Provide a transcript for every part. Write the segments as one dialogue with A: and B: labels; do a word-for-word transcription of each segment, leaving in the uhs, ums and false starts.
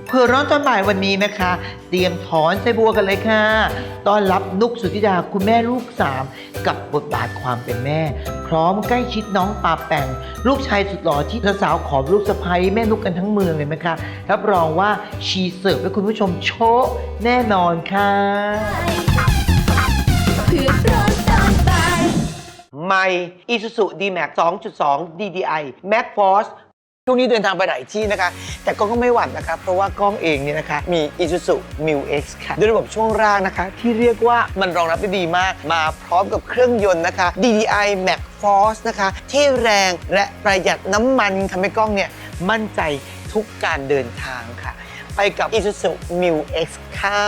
A: เพื่อร้อนตอนบ่ายวันนี้นะคะเตรียมถอนไส้บัวกันเลยค่ะต้อนรับนุกสุธิดาคุณแม่ลูกสามกับบทบาทความเป็นแม่พร้อมใกล้ชิดน้องปาแปงลูกชายสุดหล่อที่สาวๆขอลูกสะใภ้แม่นุกกันทั้งเมืองเลยนะคะรับรองว่าชีเสิร์ฟให้คุณผู้ชมโชะแน่นอนค่ะเพื่อร้อนตอนบ่ายใหม่ Isuzu ดี แม็กซ์ สองจุดสอง ดี ดี ไอ Max Forceช่วงนี้เดินทางไปหลายที่นะคะแต่ก็ไม่หวั่นนะคะเพราะว่ากล้องเองเนี่ยนะคะมี Isuzu Mu-X ค่ะด้วยระบบช่วงล่างนะคะที่เรียกว่ามันรองรับได้ดีมากมาพร้อมกับเครื่องยนต์นะคะ ดี ดี ไอ Max Force นะคะที่แรงและประหยัดน้ำมันทำให้กล้องเนี่ยมั่นใจทุกการเดินทางค่ะไปกับ Isuzu Mu-X ค่ะ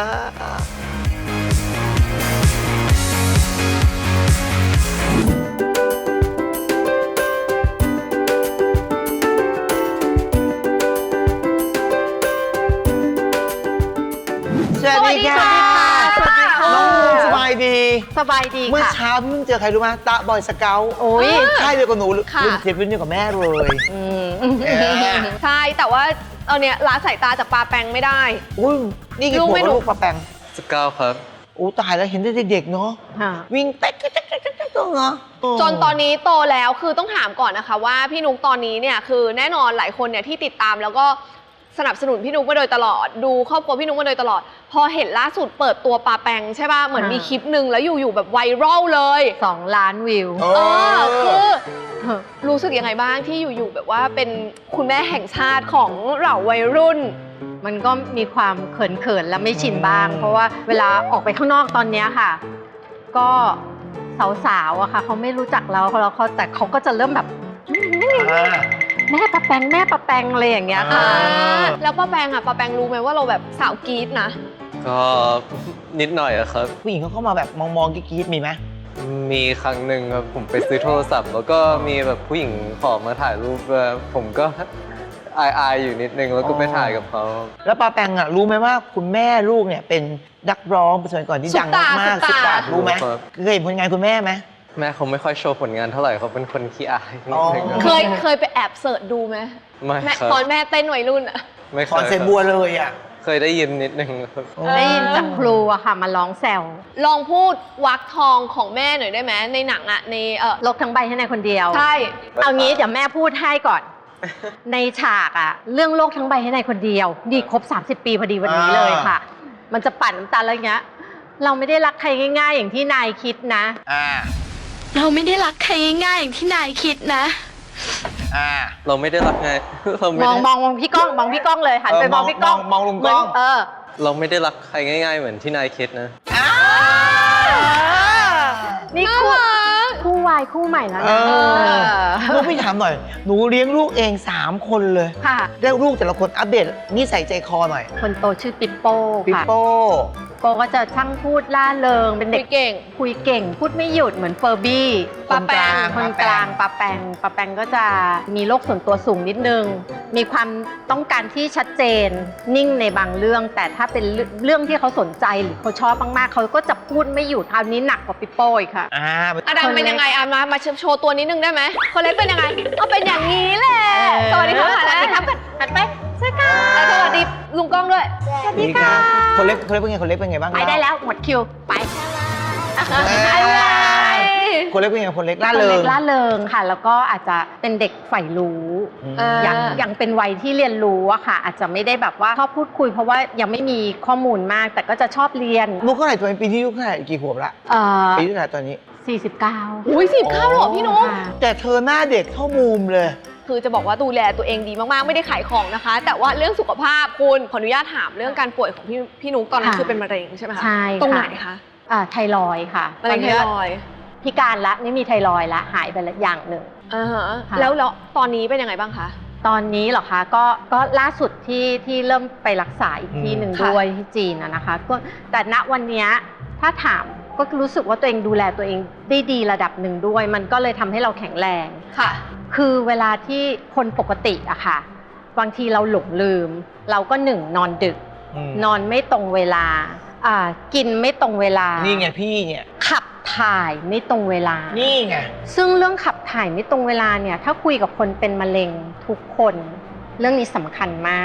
A: สวัสดีค่ะสวัสดีค่ะน้องมูสบายดี
B: สบายดีค่ะ
A: เมื่อเช้าพี่เพิ่งเจอใครรู้ไหมตะบอยสเกลโอ้ยใช่เดียวกับหนูรุ่นเทียบรุ่นเดียวกับแม่เลย
B: ใช่แต่ว่าเอาเนี้ยละสายตาจากปาแปงไม่ได้
A: อุ้ยนี่กี่ขวบลูกปาแปง
C: สเกลครับ
A: โอ้ตายแล้วเห็นเด็กๆเนาะวิ่งเต๊กเต๊กเต๊กเต๊กเต๊กเนาะ
B: จนตอนนี้โตแล้วคือต้องถามก่อนนะคะว่าพี่นุ๊กตอนนี้เนี่ยคือแน่นอนหลายคนเนี่ยที่ติดตามแล้วก็สนับสนุนพี่นุ๊กมาโดยตลอดดูครอบครัวพี่นุ๊กมาโดยตลอดพอเห็นล่าสุดเปิดตัวปาแปงใช่ป่ะเหมือนมีคลิปหนึ่งแล้วอยู่ๆแบบไวรัลเลย
D: สองล้านวิว
B: เออคือรู้สึกยังไงบ้างที่อยู่ๆแบบว่าเป็นคุณแม่แห่งชาติของเหล่าวัยรุ่น
D: มันก็มีความเขินๆและไม่ชินบ้างเพราะว่าเวลาออกไปข้างนอกตอนนี้ค่ะก็สาวๆอะค่ะเขาไม่รู้จักเราแล้วเขาแต่เขาก็จะเริ่มแบบแม่ปะแปงแม่ปะแปงอะไรอย่างเงี้ยค่ะ
B: แล้วป้าแปงอะป้าแปงรู้ไหมว่าเราแบบสาวกรี๊ดนะ
C: ก็นิดหน่อยอะครับ
A: ผู้หญิงเขาเข้ามาแบบมองๆกรี๊ดมีไหม
C: มีครั้งหนึ่งครับผมไปซื้อโทรศัพท์แล้วก็มีแบบผู้หญิงขอมาถ่ายรูปผมก็อายๆอยู่นิดนึงแล้วก็ไปถ่ายกับเขา
A: แล้วปาแปงอะรู้ไหมว่าคุณแม่ลูกเนี่ยเป็นนักร้องสมัยก่อนที่ดังมากสุดตารู้ไหมเคยเห็นผลงานคุณแม่ไหม
C: แม่เขาไม่ค่อยโชว์ผลงานเท่าไหร่เขาเป็นคนขี้อายนิดนึง
B: เคยเคยไปแอบเสิร์ชดูไหม
C: ไม่ครับ
B: ตอนแม่เต้นวัยรุ่นอะ
C: ไม่เคย
A: ตอนเซบัวเลยอะ
C: เคยได้ยินนิดนึง
D: ได้ยินจากครูอะค่ะมาร้องแซว
B: ลองพูดวักทองของแม่หน่อยได้ไหมในหนังอะในเออ
D: โลกทั้งใบให้ในคนเดียว
B: ใช่
D: เอางี้เดี๋ยวแม่พูดให้ก่อนในฉากอะเรื่องโลกทั้งใบให้ในคนเดียวดีครบสามสิบปีพอดีวันนี้เลยค่ะมันจะปั่นน้ำตาอะไรเงี้ยเราไม่ได้รักใครง่ายๆอย่างที่นายคิดนะ
E: เราไม่ได้รักใครง่ายๆอย่างที่นายคิดนะ
C: เราไม่ได้รักไง
D: มองมองมองพี่ก้องมองพี่ก้องเลยหันไปมองพี่ก้อง
A: มองลุงก้อง
D: เออ
C: เราไม่ได้รักใครง่ายๆเหมือนที่นายคิดนะ
D: นี่คู่คู่วายคู่ใหม่แล้วนะ
A: ลูกพี่ถามหน่อยหนูเลี้ยงลูกเองสามคนเลย
D: ค่ะ
A: แล้วลูกแต่ละคนอัปเดตนิสัยใจคอหน่อย
D: คนโตชื่อปิปโป้
A: ปิปโป้
D: โปก็จะช่างพูดล่าเริงเป็นเด็ก
B: เก่ง
D: คุยเก่งพูดไม่หยุดเหมือนเฟอร์บี้
B: ปาแปง
D: คนกลางปาแปงปาแปงก็จะมีโลกส่วนตัวสูงนิดนึงมีความต้องการที่ชัดเจนนิ่งในบางเรื่องแต่ถ้าเป็นเรื่องที่เขาสนใจหรือเขาชอบมากๆเขาก็จะพูดไม่หยุดคราวนี้หนักกว่าปิปโป้อีกค่ะ
B: อดัมเป็นยังไงอ่ะมามาโชว์ตัวนิดนึงได้ไหมคนเล็กเป็นยังไงก็เป็นอย่างนี้แหละสวัสดีครับสวัสดีครับหันไปสวัสดีค่ะสวัสดีลุงก้องด้วย
D: สวัสดีค่ะ
A: คนเล็กคนเล็กเป็นไงคนเล็กเป็นไงบ้าง
D: ไปได้แล้วหมดคิวไป
A: คนเล็กเป็นไงคนเล็กล่าเริง
D: ล่าเริงค่ะแล้วก็อาจจะเป็นเด็กใฝ่รู้ยังยังเป็นวัยที่เรียนรู้อะค่ะอาจจะไม่ได้แบบว่าชอบพูดคุยเพราะว่ายังไม่มีข้อมูลมากแต่ก็จะชอบเรียน
A: ลูกเท่าไหร่ตัวปีที่ลูกเท่าไหร่กี่ขวบละปีเท่าไหร่ตอนนี้
D: สี่สิบเก้า
B: อุ้ยสิบเก้าหรอพี่นุ๊ก
A: แต่เธอหน้าเด็กเท่ามูมเลย
B: คือจะบอกว่าดูแลตัวเองดีมากๆไม่ได้ขายของนะคะแต่ว่าเรื่องสุขภาพคุณขออนุญาตถามเรื่องการป่วยของพี่พี่นุ๊กตอนนั้นคือเป็นมะเร็งใช่ไหมคะ
D: ใช่
B: ตรงไหนคะ
D: อ่าไทรอยด์ค่ะ
B: มะเร็งไทรอยด์
D: พิการละนี่มีไทรอยด์ละหายไปละอย่างหนึ่ง
B: อ่าฮะแล้วแล้วตอนนี้เป็นยังไงบ้างคะ
D: ตอนนี้เหรอคะก็ก็ล่าสุดที่ที่เริ่มไปรักษาอีกที่หนึ่งด้วยที่จีนนะคะก็แต่ณวันนี้ถ้าถามก็รู้สึกว่าตัวเองดูแลตัวเองได้ดีระดับหนึ่งด้วยมันก็เลยทำให้เราแข็งแรง
B: ค่ะ
D: คือเวลาที่คนปกติอะค่ะบางทีเราหลงลืมเราก็หนึ่งนอนดึกนอนไม่ตรงเวลาอ่ากินไม่ตรงเวลา
A: นี่ไงพี่เนี่ย
D: ขับถ่ายไม่ตรงเวลา
A: นี่ไง
D: ซึ่งเรื่องขับถ่ายไม่ตรงเวลาเนี่ยถ้าคุยกับคนเป็นมะเร็งทุกคนเรื่องนี้สำคัญมาก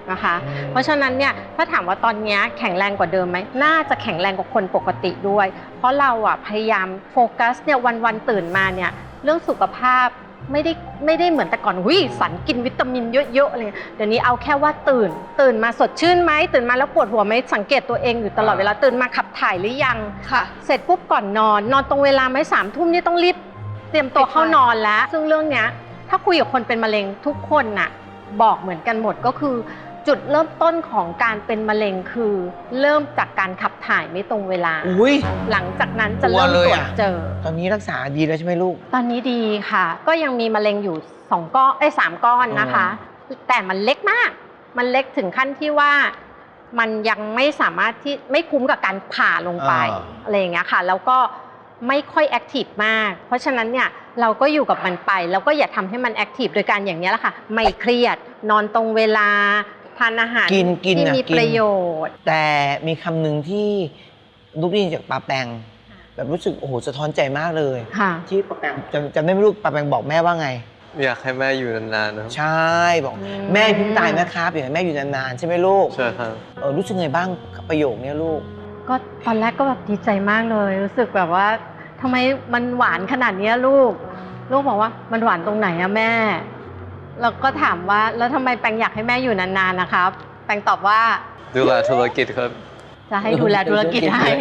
D: นะคะ เพราะฉะนั้นเนี่ยถ้าถามว่าตอนนี้แข็งแรงกว่าเดิมไหมน่าจะแข็งแรงกว่าคนปกติด้วย เพราะเราอ่ะพยายามโฟกัสเนี่ยวันๆตื่นมาเนี่ยเรื่องสุขภาพไม่ได้ไม่ได้เหมือนแต่ก่อนวิสันกินวิตามินเยอะๆอะไรเดี๋ยวนี้เอาแค่ว่าตื่น ตื่นมาสดชื่นไหมตื่นมาแล้วปวดหัวไหมสังเกตตัวเองอยู่ตลอดเวลาตื่นมาขับถ่ายหรือยัง
B: ค่ะ
D: เสร็จปุ๊บก่อนนอน นอนตรงเวลาไหมสามทุ่มนี่ต้องรีบเตรียมตัวเข้านอนแล้ว ซึ่งเรื่องเนี้ยถ้าคุยกับคนเป็นมะเร็งทุกคนน่ะบอกเหมือนกันหมดก็คือ จุดเริ่มต้นของการเป็นมะเร็งคือ เริ่มจากการขับถ่ายไม่ตรงเวลา
A: อุ้ย
D: หลังจากนั้นจะ
A: กลัว
D: เริ่ม
A: เลย
D: ตรวจ
A: อะ
D: เจอ
A: ตอนนี้รักษาดีแล้วใช่ไหมลูก
D: ตอนนี้ดีค่ะ ก็ยังมีมะเร็งอยู่สองก้อนไอ้ยสามก้อนนะคะ แต่มันเล็กมาก มันเล็กถึงขั้นที่ว่ามันยังไม่สามารถที่ไม่คุ้มกับการผ่าลงไป
A: อ่า
D: อะไรอย่างเงี้ยค่ะ แล้วก็ไม่ค่อยแอคทีฟมาก เพราะฉะนั้นเนี่ยเราก็อยู่กับมันไป แล้วก็อย่าทำให้มันแอคทีฟโดยการอย่างนี้ยแหละค่ะ ไม่เครียด นอนตรงเวลา ทานอาหาร
A: กินกิน
D: ที่
A: น่ะ
D: มี
A: กิน
D: ประโยชน์
A: แต่มีคำหนึ่งที่ลูกได้ยินจากปาแปง แบบรู้สึกโอ้โหสะท้อนใจมากเลย
D: ค่ะ
A: ที่ปาแปงจำจำได้ไหมลูกปาแปงบอกแม่ว่าไง
C: อยากให้แม่อยู่นานๆนะครับ
A: ใช่บอก
D: อืม
A: แม่เพิ่งตายนะครับอยากให้แม่อยู่นานๆใช่ไหมลูก
C: ใช่ครับ
A: เออรู้สึกไงบ้างกับประโยคเนี้ยลูก
D: ก็ตอนแรกก็แบบดีใจมากเลย รู้สึกแบบว่าทำไมมันหวานขนาดเนี้ยลูก ลูกบอกว่ามันหวานตรงไหนอะแม่ แล้วก็ถามว่าแล้วทำไมแปงอยากให้แม่อยู่นานๆนะครับ แปงตอบว่า
C: ดูแลธุรกิจครับ
D: จะให้ดูแลธุรกิจให้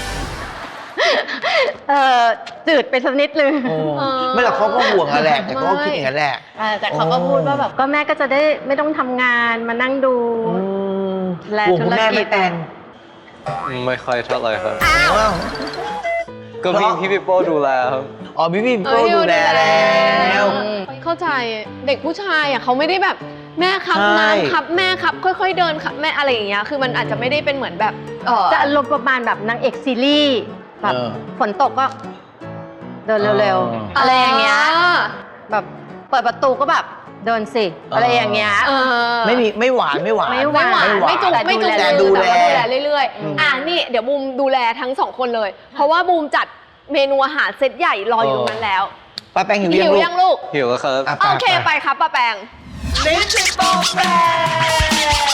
D: เออจืดไปสักนิดนึง
A: โอ้
B: เออ
A: ไม่หรอกเขาก็ห่วงอะแหละแต่เขาก็คิดอย่างนั้นแหละ
D: เออแต่เขาก็พูดว่าแบบก็แม่ก็จะได้ไม่ต้องทำงานมานั่งดู
A: อืม
D: และ
A: ห่วงคุณแม่
D: ธุรกิจ
A: ไม่แต่ง
C: ไม่ค่อยเท่าไหร่ครับ
A: อ้าว
C: ก็พี่พี่ปิโป้ดูแลครับ
A: อ๋อพี่พี่
B: เอ
A: โป้
B: อ
A: ดูแลแล้ว
B: เข้าใจเด็กผู้ชายอ่ะเขาไม่ได้แบบแม่ครับ
A: ใช่
B: น้ำครับแม่ครับค่อยๆเดินครับแม่อะไรอย่างเงี้ยคือมันอาจจะไม่ได้เป็นเหมือนแบบเออ
D: จะอารมณ์ประมาณแบบนางเอกซีรีส์แบบ
A: เออ
D: ฝนตกก็เดินเร็ว
A: อ๋อ
D: ๆ อะไรอย่างเงี้ยแบบเปิดประตูก็แบบเดินสิ อะไรอย่างเงี้ย
B: เออ
A: ไม่มีไม่หวานไม่หวาน
D: ไม่ห
B: ไม่หวานไม่จุก
D: แต่
B: ไม่จุก
A: แต่
B: มื
A: ดู
B: อ
A: แล
B: แต่ว่าดูแลเรื่อย
A: อืม
B: ๆอ่ะนี่เดี๋ยวบูมดูแลทั้งสองคนเลย เพราะว่าบูมจัดเมนูอาหารเซตใหญ่รออยู่ตรงนั้นแล้ว
A: ป้าแป้งหิว
B: หิ
A: ยัง
B: ว
A: ลูก
B: ยังลูก
C: หิวแล้วครับ
A: อ่ะ
B: โอเคไปครับป้าแปง
A: ลิ้นติดโปรแปร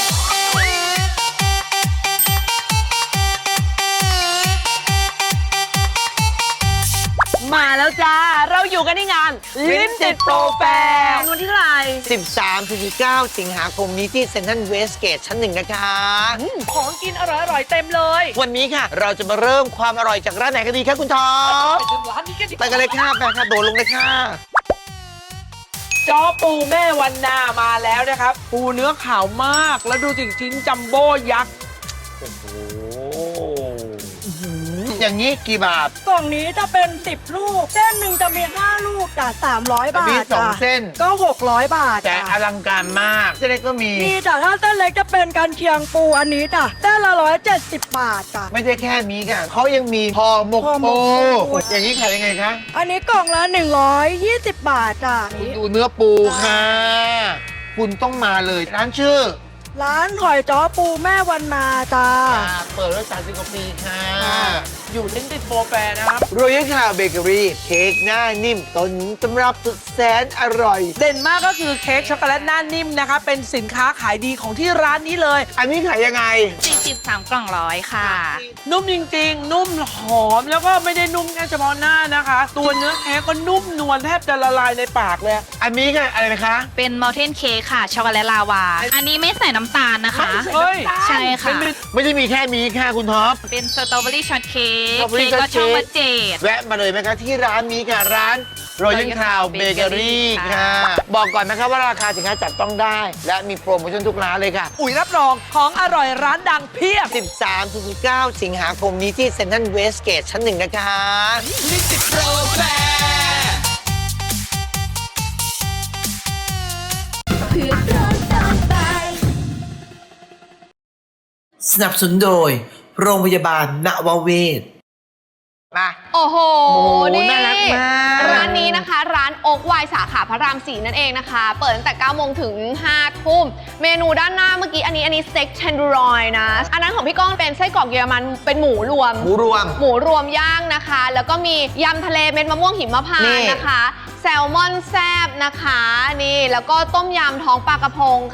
A: มาแล้วจ้า เราอยู่กันในงานลิ้นติดโปรแฟร์วันที่เท่าไหร่ สิบสามถึงสิบเก้า สิงหาคมนี้ที่เซ็นทรัลเวสเกตชั้นหนึ่งนะคะ
F: ของกินอร่อยๆเต็มเลย
A: วันนี้ค่ะ เราจะมาเริ่มความอร่อยจากร้านไหนกันดีคะคุณท็อป
F: ไปถึงร้านนี้กันดี
A: ไปกันเลยค่ะไปค่ะโดดลงเลยค่ะ
F: จ้อปูแม่วันนามาแล้วนะครับ ปูเนื้อขาวมาก แล้วดูสิชิ้นจัมโบ้ยักษ์
A: โอ้โหอย่างนี้กี่บาท
G: กล่องนี้จะเป็นสิบลูก เส้นหนึ่งจะมีห้าลูกจากสามร้อยบา
A: มี
G: ท
A: สอง
G: จ้ะ
A: เส้น
G: ก็หกร้อยบาท
A: แต่อ
G: จ้ะ
A: ลังการมากเส้นเล็กก็มี
G: นี่จ้ะถ้าเส้นเล็กจะเป็นกันเชียงปูอันนี้จ้ะเส้นละร้อยเจ็ดสิบบาทจ้ะ
A: ไม่ได้แค่นี้ค่ะเขายังมีห่อหมก
G: ห่อหม
A: ปู
G: กปู
A: อย่างนี้ขายยังไงคะ
G: อันนี้กล่องละหนึ่งร้อยยี่สิบบาทจ้ะ
A: คุณดูเนื้อปูค่ะ คุณต้องมาเลยร้านชื่อ
G: ร้านหอยจ้อปูแม่วันนาจ้า
A: เปิดมาสามสิบกว่าปีค่ะ
F: อยู่ลิ้นติดโปรแฟร์นะครับ
A: โรยัลคาวเบเกอรี่เค้กหน้านิ่มต้นตำรับสุดแสนอร่อย
F: เด่นมากก็คือเค้กช็อกโกแลตหน้านิ่มนะคะเป็นสินค้าขายดีของที่ร้านนี้เลย
A: อันนี้ขายยังไง
E: สี่สิบสามกล่องร้อยค่ะ
F: นุ่มจริงๆ นุ่มหอมแล้วก็ไม่ได้นุ่มแค่เฉพาะหน้านะคะ ตัวเนื้อเค้กก็นุ่มนวลแทบจะละลายในปากเลย
A: อันนี้ค่ะอะไรนะคะ
E: เป็นมอลเทนเค้กค่ะ ช็อกโกแลตลาวา อันนี้ไม่ใส่น้ำตาลนะคะ
F: เฮ้ย
E: ใช่ค่ะ
A: ไม่ได้มีแค่นี้ค่ะคุณท็อป
E: เป็นสตรอเบอรี่ช็อตเค้ก
A: Strawberry
E: เค้กก็ช่อง
A: shortcake
E: วัดเจด
A: แวะมาเลยไหมคะที่ร้านนี้ค่ะ ร้านโรยัลคาวเบเกอรี่
E: Bakery
A: ค่ะ
E: ค่ะ
A: บอกก่อนนะคะว่าราคาสินค้าจับต้องได้ และมีโปรโมชั่นทุกร้านเลยค่ะ
F: อุ๋ยรับรองของอร่อยร้านดังเพียบ
A: สิบสามถึงสิบเก้า สิงหาคมนี้ที่เซ็นทรัลเวสเกตชั้นหนึ่งนะคะ
F: ลิ้นติดโปรแฟร์
A: สนับสนุนโดย โรงพยาบาลนวเวศมา
B: โอ้โห
A: โอ้โห
B: นี่
A: น่ารักมาก
B: ร้านนี้นะคะ ร้านโอ๊กไวน์สาขาพระรามสี่นั่นเองนะคะ เปิดตั้งแต่เก้าโมงถึงห้าทุ่ม เมนูด้านหน้าเมื่อกี้อันนี้อันนี้สเต็กเทนดูรอยนะ อันนั้นของพี่ก้องเป็นไส้กรอกเยอรมันเป็นหมูรวม
A: หมูรวม
B: หมูรวมย่างนะคะ แล้วก็มียำทะเลเม็ดมะม่วงหิมพาน
A: นี่
B: ต์นะคะ แซลมอนแซบนะคะ นี่ แล้วก็ต้มยำท้องปลากระพงค่ะ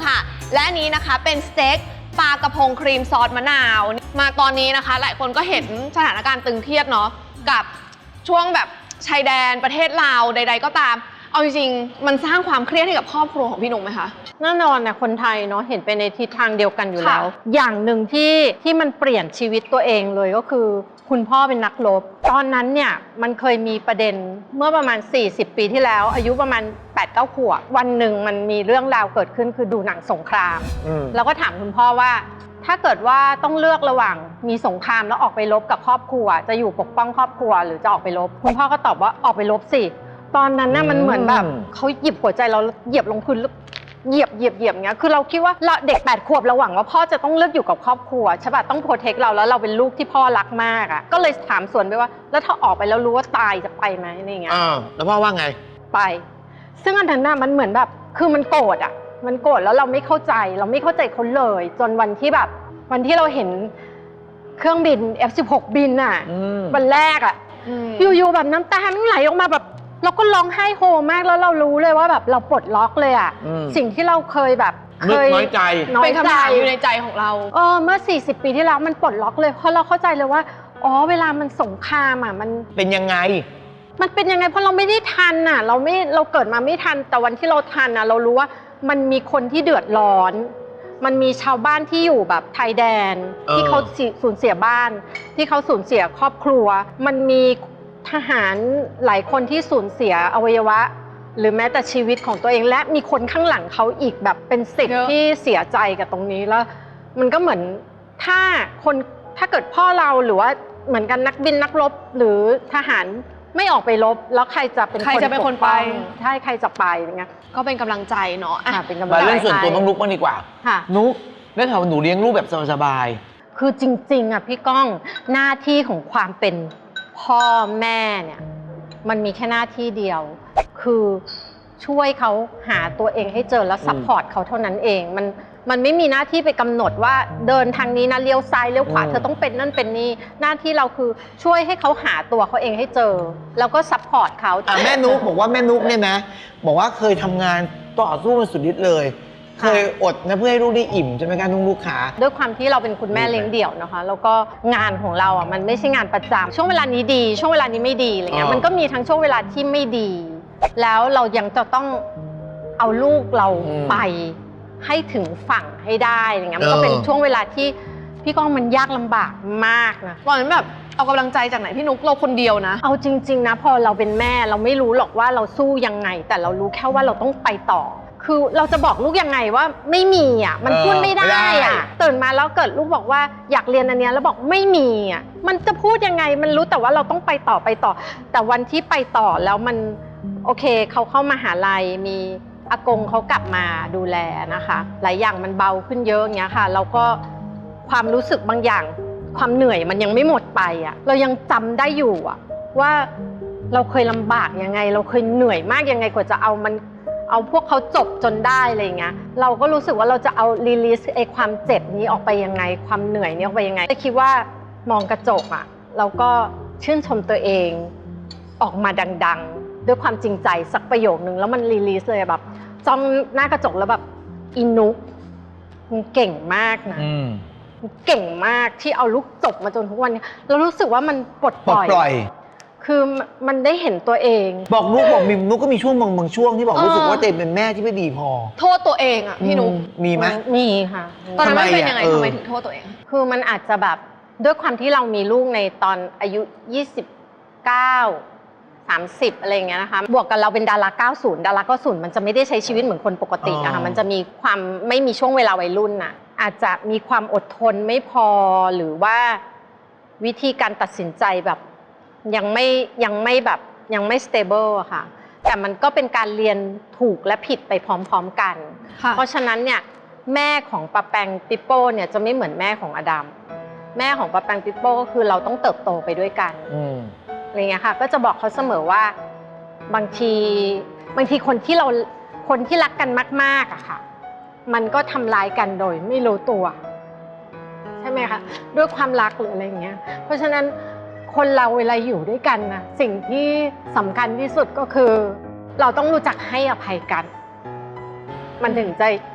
B: และอันนี้นะคะเป็นสเต็กปลากระพงครีมซอสมะนาวมาตอนนี้นะคะ หลายคนก็เห็นสถานการณ์ตึงเครียดเนาะกับช่วงแบบชายแดนประเทศลาวใด ๆ ก็ตามเอาจริงๆมันสร้างความเครียดให้กับครอบครัวของพี่นุ๊กไหมคะ
D: แน่นอนนะคนไทยเนาะเห็นไปในทิศทางเดียวกันอยู่
B: ค่ะ
D: แล้ว อย่างหนึ่งที่ที่มันเปลี่ยนชีวิตตัวเองเลยก็คือคุณพ่อเป็นนักรบตอนนั้นเนี่ยมันเคยมีประเด็นเมื่อประมาณสี่สิบปีที่แล้วอายุประมาณ แปดเก้า ขวบวันหนึ่งมันมีเรื่องราวเกิดขึ้นคือดูหนังสงคราม
A: อืม
D: แล้วก็ถามคุณพ่อว่าถ้าเกิดว่าต้องเลือกระหว่างมีสงครามแล้วออกไปรบกับครอบครัวจะอยู่ปกป้องครอบครัวหรือจะออกไปรบคุณพ่อก็ตอบว่าออกไปรบสิตอนนั้นน่ะมันเหมือนแบบเขาหยิบหัวใจเราเหยียบลงพื้นแล้วเหยียบเหยียบเหยียบอย่างเงี้ยคือเราคิดว่าเราเด็กแปดขวบเราหวังว่าพ่อจะต้องเลือกอยู่กับครอบครัวใช่ป่ะต้องโปรเทคเราแล้วเราเป็นลูกที่พ่อรักมากอ่ะก็เลยถามสวนไปว่าแล้วถ้าออกไปแล้วรู้ว่าตายจะไปไหมอะไรอย่างเงี้ย
A: อ่าแล้วพ่อว่าไง
D: ไป ซึ่งอันนั้นน่ะมันเหมือนแบบคือมันโกรธอ่ะมันโกรธแล้วเราไม่เข้าใจเราไม่เข้าใจเขาเลย จนวันที่แบบวันที่เราเห็นเครื่องบิน เอฟ สิบหก บินอ่ะ
A: อืม
D: วันแรกอ่ะอยู่ๆแบบน้ำตามันไหลออกมาแบบเราก็ร้องไห้โฮมากแล้วเรารู้เลยว่าแบบเราปลดล็อกเลยอ่ะ
A: อืม
D: สิ่งที่เราเคยแบบเค
A: นึก
D: ย
A: น้อยใจ
D: น้อ
B: เป็
D: ย
B: น
D: ใจ
B: คำถามอยู่ในใจของเรา
D: เออเมื่อสี่สิบปีที่แล้วมันปลดล็อกเลยเพราะเราเข้าใจเลยว่าอ๋อเวลามันสงครามอ่ะมัน
A: เป็นยังไง
D: มันเป็นยังไงเพราะเราไม่ได้ทันน่ะเราไม่เราเกิดมาไม่ทันแต่วันที่เราทันน่ะเรารู้ว่ามันมีคนที่เดือดร้อน มันมีชาวบ้านที่อยู่แบบชายแดน
A: เออ
D: ที่เขาสูญเสียบ้าน ที่เขาสูญเสียครอบครัว มันมีทหารหลายคนที่สูญเสียอวัยวะ หรือแม้แต่ชีวิตของตัวเองและมีคนข้างหลังเขาอีกแบบเป็นสิบ
B: เยอะ
D: ที่เสียใจกับตรงนี้แล้ว มันก็เหมือนถ้าคนถ้าเกิดพ่อเราหรือว่าเหมือนกันนักบินนักรบหรือทหารไม่ออกไปรบแล้วใครจะเป็น
B: ใครจะเป็นคนไป
D: กป้องใช่ใครจะไปอย่างเงี้ย
B: ก็เป็นกำลังใจเนาะอ่ะ
D: ค่ะเป็นกำลัง
A: มา
D: ใจ
A: เรื่องส่วนตัวน้องนุ๊กบ้างดีกว่า
D: ค่ะ
A: นุ๊กได้ข่าวว่าหนูเลี้ยงลูกแบบสบาย
D: คือจริงๆอ่ะพี่ก้องหน้าที่ของความเป็นพ่อแม่เนี่ยมันมีแค่หน้าที่เดียว คือช่วยเขาหาตัวเองให้เจอแล้วซัพพอร์ตเขาเท่านั้นเองมันมันไม่มีหน้าที่ไปกำหนดว่าเดินทางนี้นะเลี้ยวซ้ายเลี้ยวขวาเธอต้องเป็นนั่นเป็นนี่หน้าที่เราคือช่วยให้เขาหาตัวเขาเองให้เจอ แล้วก็ซัพพอร์ตเขา
A: ๆอ่ะแม่นุ๊กบอกว่าแม่นุ๊กเนี่ยนะ บอกว่าเคยทำงานต่อสู้มาสุดฤทธิ์เลย เคยอดนะเพื่อให้ลูกได้อิ่มใช่ไหมคะนุ๊กลูกขา
D: ด้วยความที่เราเป็นคุณแม่เลี้ยงเดี่ยวนะคะแล้วก็งานของเราอ่ะมันไม่ใช่งานประจำช่วงเวลานี้ดีช่วงเวลานี้ไม่ดีอะไรเงี้ย
A: อ่ามั
D: มันก็มีทั้งช่วงเวลาที่ไม่ดี แล้วเรายังจะต้องเอาลูกเรา
A: อืม
D: ไปให้ถึงฝั่งให้ได้อะไรเงี้ยมันก็
A: เออ
D: เป็นช่วงเวลาที่พี่ก้องมันยากลำบากมากนะ
B: ตอนนั้นแบบเอากำลังใจจากไหนพี่นุ๊กเราคนเดียวนะ
D: เอาจริงๆนะพอเราเป็นแม่เราไม่รู้หรอกว่าเราสู้ยังไง แต่เรารู้แค่ว่าเราต้องไปต่อ คือเราจะบอกลูกยังไงว่าไม่มีอ่ะมัน
A: เออ
D: พูดไม่ได้
A: ไม่ได้
D: อ่ะตื่นมาแล้วเกิดลูกบอกว่าอยากเรียนอันเนี้ยแล้วบอกไม่มีอ่ะมันจะพูดยังไงมันรู้แต่ว่าเราต้องไปต่อไปต่อ แต่วันที่ไปต่อแล้วมันโอเคเขาเข้ามหาลัยมีอากงเขากลับมาดูแลนะคะหลายอย่างมันเบาขึ้นเยอะอย่างเงี้ยค่ะแล้วก็ความรู้สึกบางอย่างความเหนื่อยมันยังไม่หมดไปอ่ะเรายังจำได้อยู่อ่ะว่าเราเคยลำบากยังไง เราเคยเหนื่อยมากยังไงกว่าจะเอามันเอาพวกเขาจบจนได้อะไรอย่างเงี้ยเราก็รู้สึกว่าเราจะเอารีลิสไอ้ความเจ็บนี้ออกไปยังไงความเหนื่อยนี้ออกไปยังไงแต่คิดว่ามองกระจกอ่ะเราก็ชื่นชมตัวเองออกมาดังๆด้วยความจริงใจสักประโยคนึงแล้วมันรีลิสเลยแบบจ้องหน้ากระจกแล้วแบบอินุกมันเก่งมากนะ
A: อืม
D: เก่งมากที่เอาลูกจบมาจนทุกวันนี้เรารู้สึกว่ามันปลด
A: ป
D: ป
A: ลด
D: ล่อย
A: ปล่อย
D: คือมันได้เห็นตัวเอง
A: บอกนุ๊กบอกมิมนุ๊กก็มีช่วงบางบางช่วงที่บอก
B: เออ
A: รู้สึกว่าตัวเองเป็นแม่ที่ไม่ดีพอ
B: โทษตัวเองอ่ะพี่นุ๊ก
A: อืมมีไหม
D: มีค่ะ
B: ตอนนั้นมันเป็น
A: ทำไมอ่ะ
B: ยังไง
A: เออ
B: ทำไมถึงโทษตัวเอง
D: คือมันอาจจะแบบด้วยความที่เรามีลูกในตอนอายุยี่สิบเก้า สามสิบอะไรอย่างเงี้ยนะคะบวกกับเราเป็นดาราเก้าสิบดาราเก้าสิบมันจะไม่ได้ใช้ชีวิตเหมือนคนปกติอะค่ะมันจะมีความไม่มีช่วงเวลาวัยรุ่นน่ะอาจจะมีความอดทนไม่พอหรือว่าวิธีการตัดสินใจแบบยังไม่ยังไม่แบบยังไม่ stable อะค่ะแต่มันก็เป็นการเรียนถูกและผิดไปพร้อมๆกัน
B: ค่ะ
D: เพราะฉะนั้นเนี่ยแม่ของปะแปงปิโป้เนี่ยจะไม่เหมือนแม่ของอดัมแม่ของปะแปงปิโป้ก็คือเราต้องเติบโตไปด้วยกัน
A: อืม
D: อะไรเงี้ยค่ะก็จะบอกเขาเสมอว่าบางทีบางทีคนที่เราคนที่รักกันมากๆอะค่ะมันก็ทำร้ายกันโดยไม่รู้ตัวใช่ไหมคะด้วยความรักหรืออะไรอย่างเงี้ยเพราะฉะนั้นคนเราเวลาอยู่ด้วยกันนะสิ่งที่สำคัญที่สุดก็คือเราต้องรู้จักให้อภัยกัน มันถึงจะ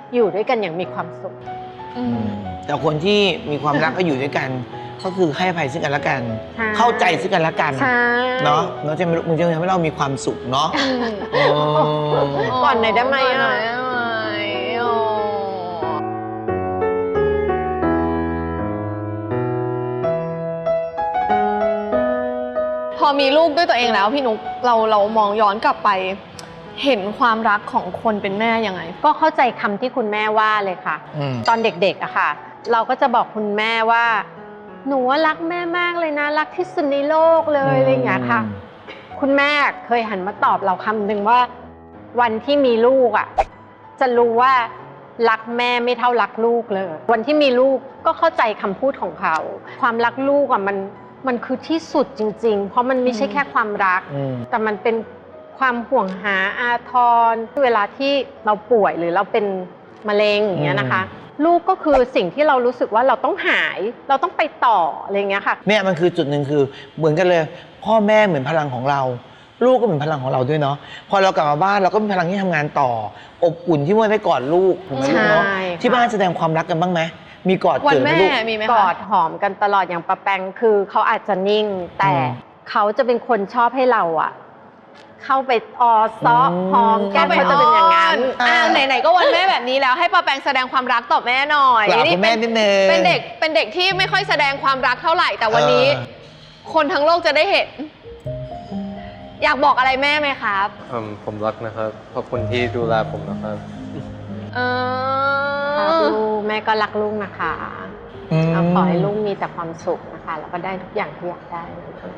D: อยู่ด้วยกันอย่างมีความสุข
B: อืม
A: แต่คนที่มีความรักก็อยู่ด้วยกัน ก็คือให้อภัยซึ่งกันและกัน
D: ใช่
A: เข้าใจซึ่งกันและกัน
D: ใช่
A: เนาะเนาะจะมึงจะทำให้เรามีความสุขเนาะโอ้
D: ก่อนหน่อยได้ไหม
B: ก่อนหน่
D: อ่ะ
B: อยได้ไหมโอ้พอมีลูกด้วยตัวเองแล้วพี่นุ๊กเราเรามองย้อนกลับไป เห็นความรักของคนเป็นแม่ยังไง
D: ก็เข้าใจคำที่คุณแม่ว่าเลยค่ะ
A: อืม
D: ตอนเด็กๆอะค่ะ เราก็จะบอกคุณแม่ว่า หนูว่ารักแม่มากเลยนะ รักที่สุดในโลกเลยอะไรอย่างเงี้ยค่ะ คุณแม่เคยหันมาตอบเราคำหนึ่งว่า วันที่มีลูกอะจะรู้ว่ารักแม่ไม่เท่ารักลูกเลย วันที่มีลูกก็เข้าใจคำพูดของเขา ความรักลูกอะมันมันคือที่สุดจริง ๆ เพราะมันไม่ใช่แค่ความรัก
A: อืม
D: แต่มันเป็นความห่วงหาอาทรเวลาที่เราป่วยหรือเราเป็นมะเร็งอย่างเงี้ยนะคะ ลูกก็คือสิ่งที่เรารู้สึกว่าเราต้องหาย เราต้องไปต่ออะไรอย่างเงี้ยค่ะ
A: เนี่ยมันคือจุดหนึ่งคือเหมือนกันเลย พ่อแม่เหมือนพลังของเรา ลูกก็เหมือนพลังของเราด้วยเนาะพอเรากลับมาบ้านเราก็มีพลังที่ทำงานต่อ อบอุ่นที่ว่าได้กอดลูกถูกไหมลูกเนาะ
D: ใช่ค่ะ
A: ที่บ้านแสดงความรักกันบ้างไหมมีกอด
B: วัน
A: เกิดไหม
B: แม่
A: ลูก
B: มีไหม
D: ก
B: คะ
D: อดหอมกันตลอดอย่างปะแปงคือเขาอาจจะนิ่ง แต่
A: อืม
D: เขาจะเป็นคนชอบให้เราอะเข้าไปออซอ
A: อืม
D: หอมแก้มเขาจะเป็นอย่างนั้น
B: อ่าไหนๆก็วันแม่แบบนี้แล้วให้ป้าแปงแสดงความรักต่อแม่หน่อย
A: กราบคุณแม่นิดนึง
B: เป็นเด็กเป็นเด็กที่ไม่ค่อยแสดงความรักเท่าไหร่แต่วันนี้
A: เออ
B: คนทั้งโลกจะได้เห็น อยากบอกอะไรแม่ไหมครับ
C: อืมผมรักนะครับ ขอบคุณที่ดูแลผมนะครับ
B: เอ
D: ครับ
B: อ
D: ลูกแม่ก็รักลูกนะคะ
A: ม
D: เอาขอให้ลูกมีแต่ความสุขนะคะ แล้วก็ได้ทุกอย่างที่อยากได้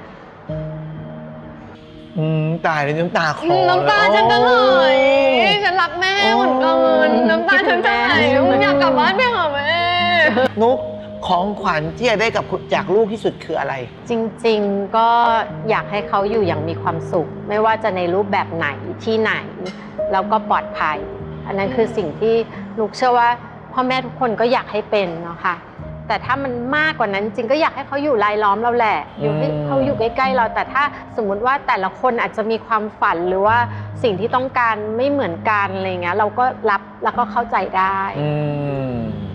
A: อืมตายเลยน้ำตาคลอ
B: น้ำตาฉันจะไหล
A: โอ้
B: ฉันรักแม่เหมือนกันน้ำตาฉันจะไหลอยากกลับบ้านไปหาแม่
A: นุกของขวัญที่จะได้กับคุณจากลูกที่สุดคืออะไร
D: จริงๆก็อยากให้เขาอยู่อย่างมีความสุข ไม่ว่าจะในรูปแบบไหนที่ไหน แล้วก็ปลอดภัย อันนั้นคือสิ่งที่ลูกเชื่อว่าพ่อแม่ทุกคนก็อยากให้เป็นเนาะค่ะแต่ถ้ามันมากกว่านั้นจริงก็อยากให้เขาอยู่รายล้อมเราแหละอยู่ให้
A: อืม
D: เขาอยู่ใกล้ๆเรา แต่ถ้าสมมุติว่าแต่ละคนอาจจะมีความฝันหรือว่าสิ่งที่ต้องการไม่เหมือนกันอะไรเงี้ยเราก็รับแล้วก็เข้าใจได้
A: อืม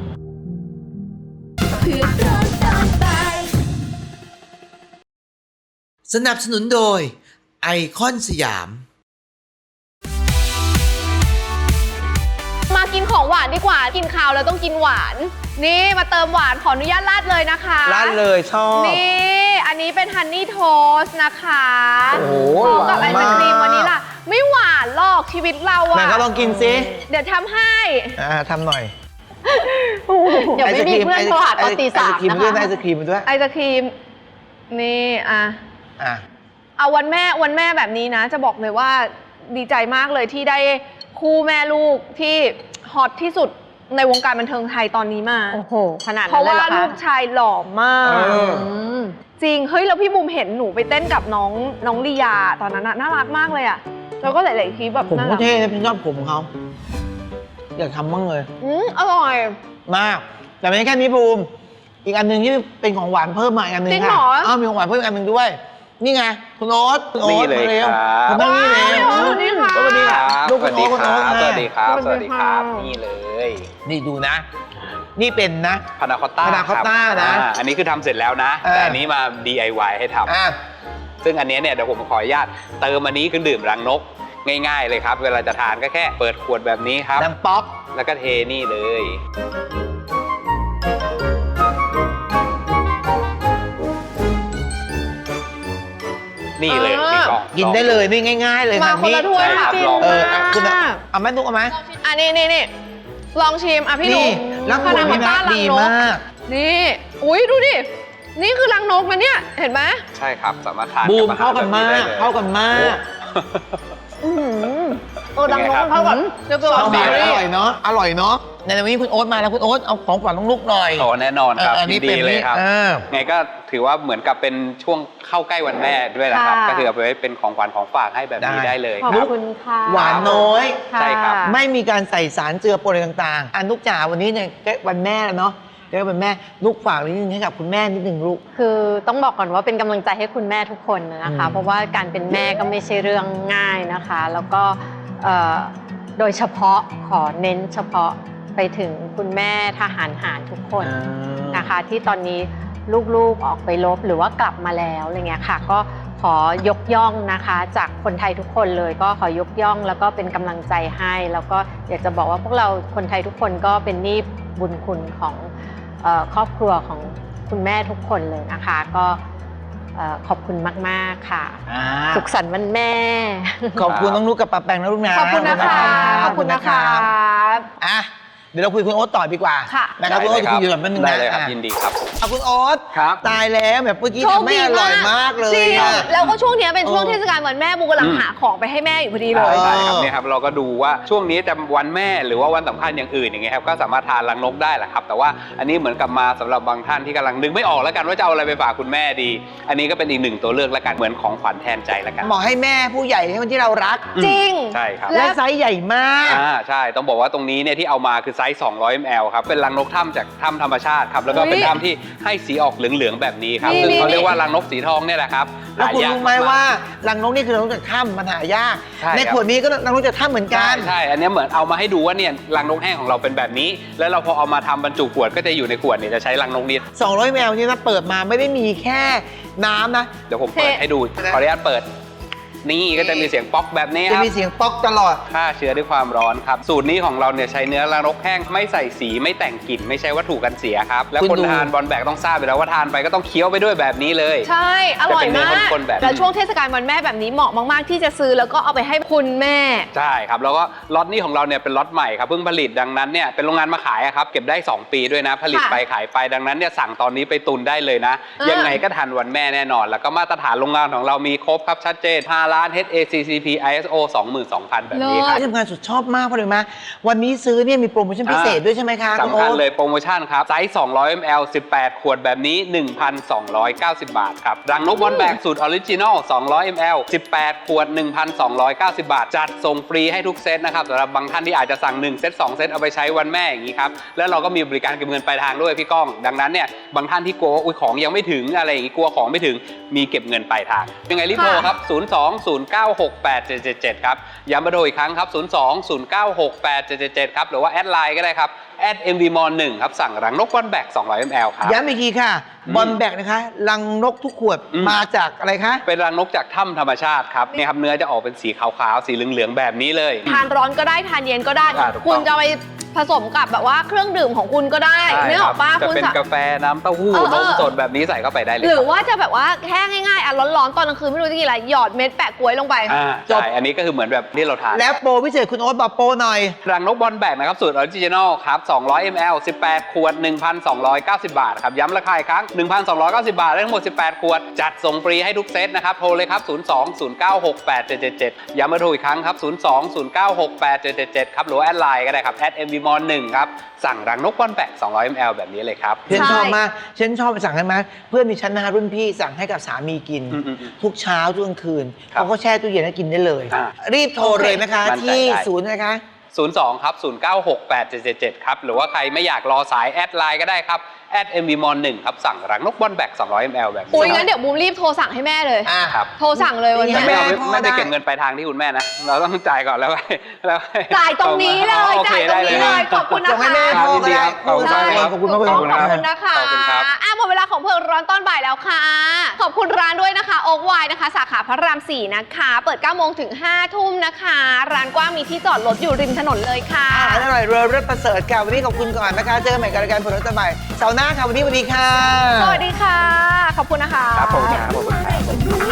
A: สนับสนุนโดยไอคอนสยาม
B: มากินของหวานดีกว่ากินข้าวแล้วต้องกินหวาน นี่มาเติมหวานขออนุญาตราดเลยนะคะ
A: ร้านเลยชอบ
B: นี่อันนี้เป็นฮันนี่โทสนะคะ
A: โอ้โห
B: พร้อมกับ
A: ห
B: ไอ
A: วาน
B: ศ
A: มาก
B: ครีมวันนี้ล่ะ ไม่หวานหรอกชีวิตเรา
A: ไหน
B: อะ
A: ก็ลองกินซิ
B: เดี๋ยวทำให้
A: อ่าทำหน่อย
D: เดี๋ยวไม่มีเพื่อนโทรหาตอนตีสาม
A: ไอศครีม
D: นะ
A: ด้วย
D: คะ
A: ไอศครีมด้วย
B: ไอศครีมนี่อ่ะ
A: อ่ะ
B: เอาวันแม่วันแม่แบบนี้นะ จะบอกเลยว่าดีใจมากเลยที่ได้คู่แม่ลูกที่ฮอตที่สุดในวงการบันเทิงไทยตอนนี้มา
D: โอ้โหขนาด
B: เพ
D: นั้น
B: ราะ
D: เลย
B: ว่า
D: เหรอคะ
B: ลูกชายหล่อมาก
A: เออ
D: อืม
B: จริง เฮ้ย แล้วพี่บุ๋มเห็นหนูไปเต้นกับน้องน้องลียาตอนนั้นน่ะน่ารักมากเลยอะแล้วก็หลายๆคลิปแบบ
A: ผม
B: น่า
A: ก็
B: รัก
A: เท่นะพี่ชอบผมเขา อยากทำบ้างเลย
B: อืมอร่อย
A: มาก แต่ไม่ใช่แค่นี้บูม อีกอันหนึ่งที่เป็นของหวานเพิ่มมาอีกอันหนึ่ง
B: จริง
A: ค่ะ
B: เหรอ
A: อ้าวมีของหวานเพิ่มอีกอันหนึ่งด้วย นี่ไงคุณโอ๊ตคุณโอ๊ต
H: นี่เลย
A: มาเร็ว
H: ครับ
A: คุณนั่งนี่เร็ว
B: ว้าวสวัสดีค่ะ
A: สวัสดี
H: ค
A: ค่ะ
H: รับ
A: ลูก
H: ส
A: คุ
H: วั
A: ณ
H: ส
A: โอ๊
H: ดี
A: ตคุณ
H: ค
A: โอ๊
H: รั
A: ต
H: บ
A: ค่ะ
H: สวัสดีครับ
B: ส
H: ส
B: วั
H: วั
B: ส
H: ส
B: ดี
H: ดี
B: ค่ะ
H: ครับ นี่เลย
A: นี่ดูนะ นี่เป็นนะ
H: พานาคอตต้า
A: Panna cotta นะ
H: อันนี้คือทำเสร็จแล้วนะ
A: เออ
H: แต่อันนี้มา ดี ไอ วาย ให้ท
A: อ่ะ
H: ำซึ่งอันนี้เนี่ยเดี๋ยวผมขออนุญาตเติมอันนี้คือดื่มรังนก ง่ายๆเลยครับ เวลาจะทานก็แค่เปิดขวดแบบนี้ครับ
A: ดังป๊อก
H: แล้วก็เทนี่เลย นี่เลย
B: อ่า
H: พี่กอง
A: กินได้เลยนี่ง่าย ๆ เลย
B: มา
A: ค่ะ
B: คนละถ้วย
H: ใช่ค
B: ค่ะ
H: รับลอง
A: เอออ่ะคุณเอาเอาแม่นุกเอาไหม
B: อันนี้นี่นี่ลองชิมอ่ะพี่ห
A: นี่
B: นุ่ม
A: รักขวดพี่นะดีมาก
B: นี่ อุ้ยดูดิ นี่คือรังนกนะเนี่ย เห็นไหม
H: ใช่ครับ สามารถทาน
A: บูม
H: บอหร
A: เข้ากันมาก
H: แบบได้ลย
A: เข้ากันมาก
B: โอ้รังนก
H: เป็นไงครับ
B: มันเข้ากับเรียบร้อย
A: เอา
B: เบ
A: มา
B: อ
A: อ
B: รี่
A: ร่อยเนาะ อร่อยเนาะ ในวันนี้คุณโอ๊ตมาแล้วคุณโอ๊ตเอาของขวัญลูกๆหน่อย
H: โอ้แน่นอนครับ
A: เอออันนี้
H: ยินดีเลยครับ
A: เป็นนี่เออ
H: ไงก็ถือว่าเหมือนกับเป็นช่วงเข้าใกล้วันแม่ด้วยนะครับ
D: ค่ะ
H: ก็คือเอาไปไว้เป็นของขวัญของฝากให้แบบนี้
A: ได้
H: ได้เลย
D: ขอบ
H: ครับ
D: คุณค่ะ
A: หวานน้อย
D: ะ
H: ใช่ครับ
A: ไม่มีการใส่สารเจือปนอะไรต่างๆ อันนุกจ๋าวันนี้เนี่ยใกล้วันแม่แล้วเนาะใกล้วันแม่ลูกฝากนิดนึงให้กับคุณแม่นิดนึงลูก
D: คือต้องบอกก่อนว่าเป็นกำลังใจให้คุณแม่ทุกคนนะคะ
A: อืม
D: เพราะว่าการเป็นแม่ก็ไม่ใช่เรื่องง่ายนะคะ แล้วก็เอ่อโดยเฉพาะขอเน้นเฉพาะไปถึงคุณแม่ทหารหารทุกคนนะคะ ที่ตอนนี้ลูกๆออกไปรบหรือว่ากลับมาแล้วอะไรเงี้ยค่ะก็ขอยกย่องนะคะจากคนไทยทุกคนเลยก็ขอยกย่องแล้วก็เป็นกำลังใจให้แล้วก็อยากจะบอกว่าพวกเราคนไทยทุกคนก็เป็นหนี้บุญคุณของเอ่อครอบครัวของคุณแม่ทุกคนเลยนะคะก็เอ่อขอบคุณมากๆค่ะ
A: อ่า
D: สุขสันต์วันแม่
A: ขอบคุณน้องนุ๊กกับป้าแปงนะลูกนะ
B: ขอบคุณนะคะขอบคุณนะคะ
A: อ่ะเดี๋ยวเราคุยคุณโอ๊ตต่อดีกว่า
B: ค่ะ
A: นะครับคุณโอ๊ตจะคุยอยู่แบบนึง
H: ได้
A: นะ
H: เลยครับ
A: อ่ะ
H: ยินดีครับ
A: เอาคุณโอ๊ต
H: ครับ
A: ตายแล้วแบบเมื่อกี้
B: โชค
A: ทำให้
B: ดี
A: อร่อยมากเลย
B: จริง
A: อ่ะ
B: แล้วก็ช่วงเนี้ยเป็นช่วง
A: เออ
B: เทศกาลวันแม่บูกำลัง
H: อืม
B: หาของไปให้แม่อยู่พอดีเลย
H: ใช่ครับเนี่ยครับเราก็ดูว่าช่วงนี้จะวันแม่หรือว่าวันสำคัญอย่างอื่นอย่างเงี้ยครับก็สามารถทานรังนกได้แหละครับแต่ว่าอันนี้เหมือนกับมาสำหรับบางท่านที่กำลังนึกไม่ออกแล้วกันว่าจะเอาอะไรไปฝากคุณแม่ดี อันนี้ก็เป็นอีกหนึ่งตัวเลือกแล้วกันเหมือนของขวัญแทนใจแล้วกัน
A: เหมาะให้แม่ผู้ใหญ่ให้คนที่เรารัก
B: จริง
H: ใช่ครับ
A: และไซส์ใหญ่มาก
H: อ่าใช่ต้องบอกว่าตรงนี้เนี่ยที่เอามาคือไซส์สองร้อยมิลลิลิตรครับเป็นรังนกถ้ำจากถ้ำธรรมชาติครับแล้วก็เป็น
B: อุ๊ย
H: ถ้ำที่ให้สีออกเหลืองๆแบบนี้ครับ
B: นี่
H: ซึ่งเขา
B: นี่
H: เรียกว่ารังนกสีทองเนี่ยแหละครับ
A: แล้วคุณ
H: หายาก
A: รู้ไหม
H: ก
A: ว่ารังนกนี่คือรังนกจากถ้ำมันหายาก
H: ใช่
A: ใน
H: ครับ
A: ขวดนี้ก็รังนกจากถ้ำเหมือนกั
H: ใช่
A: น
H: ใช่ อันเนี้ยเหมือนเอามาให้ดูว่าเนี่ยรังนกแห้งของเราเป็นแบบนี้ แล้วเราพอเอามาทำบรรจุขวดก็จะอยู่ในขวดเนี่ยจะใช้รังนกนี้
A: สองร้อยมิลลิลิตรนี่นะเปิดมาไม่ได้มีแค่น้ำนะ
H: เดี๋ยวผมเปิดให้ดูขออนุญาตเปิด นี่ก็จะมีเสียงป๊อกแบบนี้
A: จะ
H: ครับ
A: มีเสียงป๊อกตลอด
H: ฆ่าเชื้อด้วยความร้อนครับสูตรนี้ของเราเนี่ยใช้เนื้อรังนกแห้งไม่ใส่สีไม่แต่งกลิ่นไม่ใช่วัตถุกันเสียครับแล้ว
A: คุณ
H: คน
A: ดู
H: ทานบอลแบกต้องทราบอยู่แล้วว่าทานไปก็ต้องเคี้ยวไปด้วยแบบนี้เลย
B: ใช่ อร่อยมาก
H: จะเป็นเนื้อข้นๆแบบนี้
B: แล้วช่วงเทศกาลวันแม่แบบนี้เหมาะมากๆที่จะซื้อแล้วก็เอาไปให้คุณแม่
H: ใช่ครับแล้วก็ล็อตนี้ของเราเนี่ยเป็นล็อตใหม่ครับเพิ่งผลิตดังนั้นเนี่ยเป็นโรงงานมาขายอะครับเก็บได้สองปีด้วยนะผลิต
B: ค่ะ
H: ไปขายไปดังนั้นเนี่ยสั่งตอนนี้ไปตุนได้เลยนะ
B: อ่ายั
H: ยังไงก็ทันวันแม่แน่นอน แล้วก็มาตรฐานโรงงานของเรามีครบครับชัดเจนห้าล้าน เอช เอ ซี ซี พี ไอ เอส โอ สองหมื่นสองพัน แบบนี้ครับ
A: ที่ทำงานสุดชอบมากเพราะอะไรรู้ไหมวันนี้ซื้อเนี่ยมีโปรโมชั่นพิเศษด้วยใช่ไหมคะคุณ
H: สำ
A: โอ๊
H: คัญ
A: ต
H: เลยโปรโมชั่นครับไซส์สองร้อยมิลลิลิตร สิบแปด ขวดแบบนี้ หนึ่งพันสองร้อยเก้าสิบ บาทครับรังนกบอลแบกสูตรออริจินอลสองร้อยมิลลิลิตร สิบแปด ขวด หนึ่งพันสองร้อยเก้าสิบ บาท จัดส่งฟรีให้ทุกเซตนะครับสำหรับบางท่านที่อาจจะสั่งหนึ่งเซตสองเซตเอาไปใช้วันแม่อย่างนี้ครับแล้วเราก็มีบริการเก็บเงินปลายทางด้วยพี่ก้องดังนั้นเนี่ยบางท่านที่กลัวว่าอุ๊ยของยังไม่ถึงอะไรอย่างนี้กลัวของไม่ถึงมีเก็บเงินปลายทางยังไงรีบโทรครับศูนย์ สอง ศูนย์ เก้า หก แปด เจ็ด เจ็ด เจ็ดครับย้ำมาโดยอีกครั้งครับศูนย์ สอง ศูนย์ เก้า หก แปด เจ็ด เจ็ด เจ็ดครับหรือว่าแอดไลน์ก็ได้ครับแอด เอ็ม วี มอล หนึ่งครับสั่งรังนกบอลแบกสองร้อยมิลลิลิตรครับ
A: ย้ำอีกทีค่ะ
H: อืม
A: บอลแบกนะคะรังนกทุกขวด
H: อืม
A: มาจากอะไรคะ
H: เป็นรังนกจากถ้ำธรรมชาติครับเนี่ยครับเนื้อจะออกเป็นสีขาวๆสีเหลืองๆแบบนี้เลย
B: ทานร้อนก็ได้ทานเย็นก็ได้
H: อ่าถูกต้อง
B: คุณจะเอาไปผสมกับแบบว่าเครื่องดื่มของคุณก็ได้
H: ใช่
B: เนื้อ
H: ค
B: อ
H: รั
B: อกป้า
H: จะ
B: คุณ
H: เป็น
B: สะ
H: กาแฟน้ำเต้าหู้
B: เออเอน อ
H: มสดแบบนี้ใส่เข้าไปได้เลย
B: หรือ
H: ครับ
B: ว่าจะแบบว่าแค่ง่ายๆอ่ะร้อนๆตอนกลางคืนไม่รู้จะกินอะไรหยอดเม็ดแปะกล้วยลงไป
H: อ่า
A: จบ
H: ใช่อันนี้ก็คือเหมือนแบบที่เราทาน
A: แล้วโปรพิเศษคุณโอ๊ตบอกโปรหน่อย
H: รังนกบอลแบกนะครับสูตรออริจินอลครับสองร้อยมิลลิลิตร สิบแปด ขวด หนึ่งพันสองร้อยเก้าสิบ บาทครับย้ำราคาอีกครั้ง หนึ่งพันสองร้อยเก้าสิบ บาทได้ทั้งหมดสิบแปดขวดจัดส่งฟรีให้ทุกเซตนะครับโทรเลยครับศูนย์ สอง ศูนย์ เก้า หก แปด เจ็ด เจ็ด เจ็ดย้ำมาโทรอีกครั้งครับศูนย์ สอง ศูนย์ เก้า หก แปด เจ็ด เจ็ด เจ็ดครับหรือว่าแอดไลน์ก็ได้ครับแอด เอ็ม วี มอล หนึ่งครับสั่งรังนกบอลแบกสองร้อยมิลลิลิตร แบบนี้เลยครับ
A: ฉัน
B: ใช่
A: ชอบมากฉันชอบไปสั่งให้มาเพื่อนมีชั้นนะคะรุ่นพี่สั่งให้กับสามีกิน
H: อืมอืมอืม
A: ทุกเช้าทุกกลางคืน
H: ครับ
A: เขาก็แช่ตู้เย็นแล้วกินได้เลย
H: อ่า
A: รีบโทรเลยนะคะ
H: มั่นใจ
A: ที่
H: ได้
A: ศูนย์นะคะ
H: ศูนย์ สอง ครับ ศูนย์ เก้า หก แปด เจ็ด เจ็ด เจ็ดครับหรือว่าใครไม่อยากรอสายแอดไลน์ก็ได้ครับแอด เอ็ม วี มอล หนึ่งครับสั่งรังนกบอลแบกสองร้อยมิลลิลิตร แบบนี้
B: อุ้ยงั้นเดี๋ยวบูมรีบโทรสั่งให้แม่เลย
A: อ่า
H: ครับ
B: โทรสั่งเลยวัน
A: นี่
B: นี้
H: ไม่เอา
A: แม่
H: ไม่
A: พ่อ
H: ไม่ไป
A: ได้
H: เก็บเงินปลายทางที่คุณแม่นะ เราต้องจ่ายก่อนแล้วค่อยแล้วค่อ
B: จ่ายตรงนี้เลย
H: โอค
B: จ่ายตรงนี้เลย ขอบคุณนะ
A: ส่งให้
B: คะ
A: แม่พ่อก็ได้
H: ขอบคุณครับ
A: ขอบคุณมาก
B: ข
A: ข
B: อ
A: อ
B: บบ คุ
A: คุณ ณ
B: ขอบ
A: มาก
B: คุณนะคะ
H: ขอบคุณครับ
B: อ่ะหมดเวลาของเพิงร้อนตอนบ่ายแล้วค่ะ ขอบคุณร้านด้วยนะคะโอ๊กไวน์นะคะ สาขาพระรามสี่นะคะ เปิดเก้าโมงถึงห้าทุ่มนะคะ ร้านกว้างมีที่จอดรถอยู่ริมถนนเลยค่ะ
A: อาหารอร่อยเรือเลิศประเสริฐค่ะวันนี้ขอบคุณก่อนนะคะเจอกันใหม่กับรายการผลรัตบ่ายเสาร์หน้าค่ะวันนี้สวัสดีค่ะ
B: สวัสดีค่ะ ขอบคุณนะคะ
H: ครับผมครับขอบคุณครับ